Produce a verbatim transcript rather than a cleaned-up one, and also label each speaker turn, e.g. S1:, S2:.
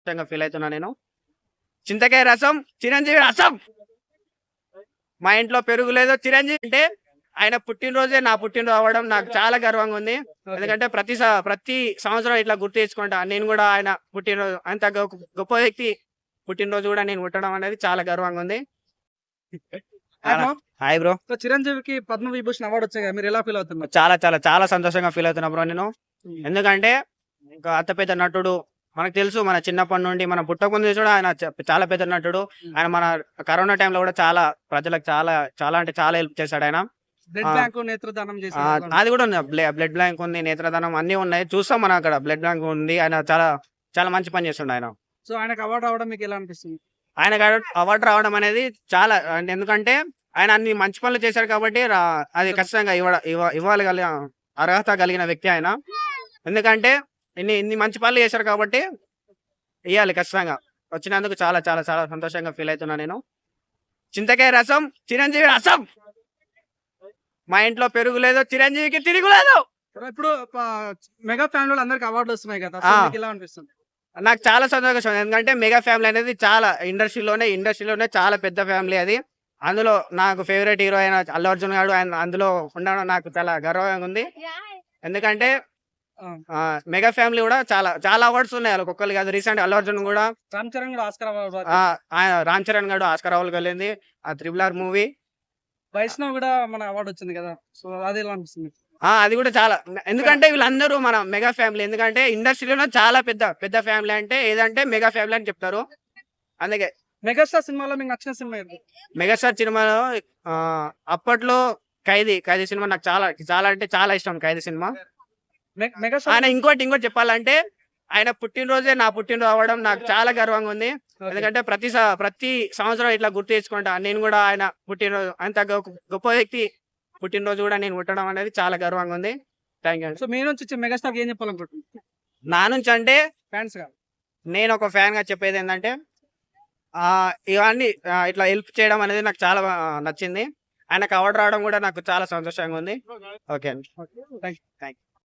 S1: సంతోషంగా ఫీల్ అవుతున్నా నేను. చింతకాయ రసం చిరంజీవి రసం. మా ఇంట్లో పెరుగు లేదు చిరంజీవి అంటే ఆయన పుట్టినరోజే నా పుట్టినరోజు అవ్వడం నాకు చాలా గర్వంగా ఉంది. ఎందుకంటే ప్రతి స- ప్రతి సంవత్సరం ఇట్లా గుర్తు తెచ్చుకుంటా నేను కూడా ఆయన పుట్టినరోజు అంత గొప్ప గొప్ప వ్యక్తి పుట్టినరోజు కూడా నేను పుట్టడం అనేది చాలా గర్వంగా ఉంది. Hi bro.
S2: సో చిరంజీవికి పద్మ విభూషణ్ అవార్డు వచ్చాయి కదా, మీరు ఎలా ఫీల్ అవుతున్నారు?
S1: చాలా చాలా చాలా సంతోషంగా ఫీల్ అవుతున్నా బ్రో నేను. ఎందుకంటే ఇంకా అంత పెద్ద నటుడు మనకు తెలుసు, మన చిన్నప్పటి నుండి మన పుట్టక ముందు కూడా ఆయన చ- చాలా పెద్ద నటుడు. ఆయన మన కరోనా టైంలో కూడా చాలా ప్రజలకు చాలా చాలా అంటే చాలా హెల్ప్ చేశాడు ఆయన.
S2: బ్లడ్
S1: ఆ.
S2: బ్యాంక్ నేత్రదానం
S1: ఆ,
S2: చేశారు.
S1: అది కూడా ఉంది, బ్లడ్ బ్యాంక్ ఉంది, నేత్రదానం అన్ని ఉన్నాయి, చూస్తాం మనం అక్కడ బ్లడ్ బ్యాంక్ ఉంది. ఆయన చాలా చాలా మంచి పని చేస్తుండే ఆయన.
S2: సో ఆయనకు అవార్డు రావడం మీకు ఎలా అనిపిస్తుంది?
S1: ఆయన అవార్డు రావడం అనేది చాలా అంటే ఎందుకంటే ఆయన అన్ని మంచి పనులు చేశారు కాబట్టి రా- అది ఖచ్చితంగా ఇవ్వ ఇవ్వ- ఇవ్వాలి కలిగిన అర్హత కలిగిన వ్యక్తి ఆయన. ఎందుకంటే ఇన్ని ఇన్ని మంచి పనులు చేశారు కాబట్టి ఇవ్వాలి ఖచ్చితంగా. వచ్చినందుకు చాలా చాలా చాలా సంతోషంగా ఫీల్ అవుతున్నా నేను. చింతకాయ రసం చిరంజీవి రసం. మా ఇంట్లో పెరుగు లేదు చిరంజీవికి తిరుగు లేదు.
S2: ఇప్పుడు ప- మెగా ఫ్యామిలీ అందరికి అవార్డులు వస్తున్నాయి కదా, సో
S1: ఆ.
S2: మీకు ఎలా అనిపిస్తుంది?
S1: నాకు చాలా సంతోషం, ఎందుకంటే మెగా ఫ్యామిలీ అనేది చాలా ఇండస్ట్రీలోనే ఇండస్ట్రీలోనే చాలా పెద్ద ఫ్యామిలీ అది. అందులో నాకు ఫేవరెట్ హీరో అయిన అల్లు అర్జున్ గారు ఆయన అందులో ఉండడం నాకు చాలా గర్వంగా ఉంది. ఎందుకంటే
S2: ఆ.
S1: ఆ, మెగా ఫ్యామిలీ కూడా చాలా చాలా అవార్డ్స్ ఉన్నాయి వాళ్ళకి ఒక్కరు కాదు. రీసెంట్ అల్లు అర్జున్ కూడా
S2: రామ్ చరణ్ కూడా ఆస్కార్ అవార్డు,
S1: ఆ, ఆయన రామ్ చరణ్ గారు ఆస్కార్ అవార్డుకి వెళ్ళింది ఆ త్రిబుల్ ఆర్ మూవీ.
S2: వైష్ణవ్ కూడా మన అవార్డు వచ్చింది కదా, సో అది ఎలా అనిపిస్తుంది?
S1: ఆ అది కూడా చాలా, ఎందుకంటే వీళ్ళందరూ మన మెగా ఫ్యామిలీ. ఎందుకంటే ఇండస్ట్రీలో చాలా పెద్ద పెద్ద ఫ్యామిలీ అంటే ఏదంటే మెగా ఫ్యామిలీ అని చెప్తారు. అందుకే
S2: మెగాస్టార్ సినిమాలో మీకు నచ్చిన సినిమా ఏంటి?
S1: మెగాస్టార్ సినిమాలో ఆ, అప్పట్లో ఖైదీ ఖైదీ సినిమా నాకు చాలా చాలా అంటే చాలా ఇష్టం. ఖైదీ సినిమా.
S2: మె- మెగాస్టార్
S1: ఆయన ఇంకోటి ఇంకోటి చెప్పాలంటే ఆయన పుట్టినరోజే నా పుట్టినరోజు అవ్వడం నాకు చాలా గర్వంగా ఉంది.
S2: ఓకే.
S1: ఎందుకంటే ప్రతి స- ప్రతి సంవత్సరం ఇట్లా గుర్తు తెచ్చుకుంటా నేను కూడా ఆయన పుట్టినరోజు అంత గొప్ప గొప్ప వ్యక్తి పుట్టినరోజు కూడా నేను పుట్టడం అనేది చాలా గర్వంగా ఉంది. Thank you.
S2: సో మీ నుంచి వచ్చే మెగాస్టార్ ఏం చెప్పాలనుకుంటున్నారు
S1: నా నుంచి అంటే
S2: ఫ్యాన్స్ గా?
S1: నేను ఒక ఫ్యాన్ గా చెప్పేది ఏంటంటే ఆ ఇవన్నీ ఆ, ఇట్లా హెల్ప్ చేయడం అనేది నాకు చాలా ఆ, నచ్చింది. ఆయనకు అవార్డు రావడం కూడా నాకు చాలా సంతోషంగా ఉంది. ఓకే అండి.
S2: Okay, thank you.
S1: Thank you.